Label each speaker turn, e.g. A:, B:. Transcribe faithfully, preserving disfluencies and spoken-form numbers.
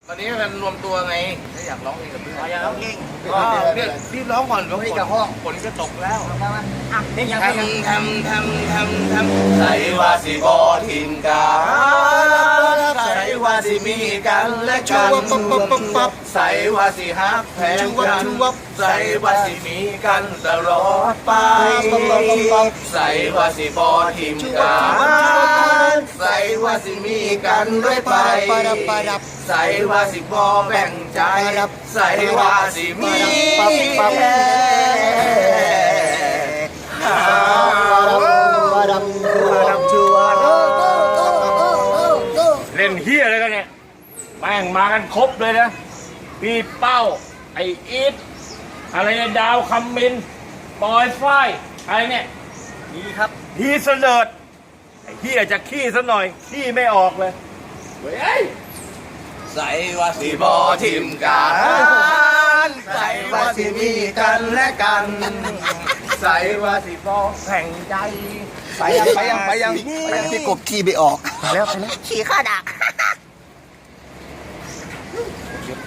A: ตอนนี้กันรวมตัวไงถ้าอยากร้องเพลงกับเพื่อน
B: อยากร้องเพลง
A: ก็เรียกรีบร้องก่อนเพราะฝนฝนจะตกแล้ว
B: อ่ะเพลงยัง
A: ทำทำทำทำทำใส่ว่าสิบอทิมกาใส่ว่าสิมีกันและกันใส่ว่าสิฮักแพงกันใส่ว่าสิมีกันตลอดไปใส่ว่าสิบอทิมกาใส่ว่าสิมีกันเรื่อยไปใส่ว่าสิบอแบ่งใจใส่ว่าสิมีแค่เล่นเฮียอะไรกันเนี่ยแม่งมากันครบเลยนะพี่เป้าไออีทอะไรเนี่ยดาวคำมินปอยฝ้ายอะไรเนี่ยนี่ครับพี่เสลิดไอเฮียจะขี้ซะหน่อยขี้ไม่ออกเลยเฮ้ยใส่ว่าสิบอทิมกันใส่ว่าสิมีกันและกันใส่ว่าสิบอแข่งใจไปยังไปยังไปยังไปยัง
C: พี่กบขี่ไปออก
A: ไปแล้วไปแล้ว
B: ขี่ข้าดัก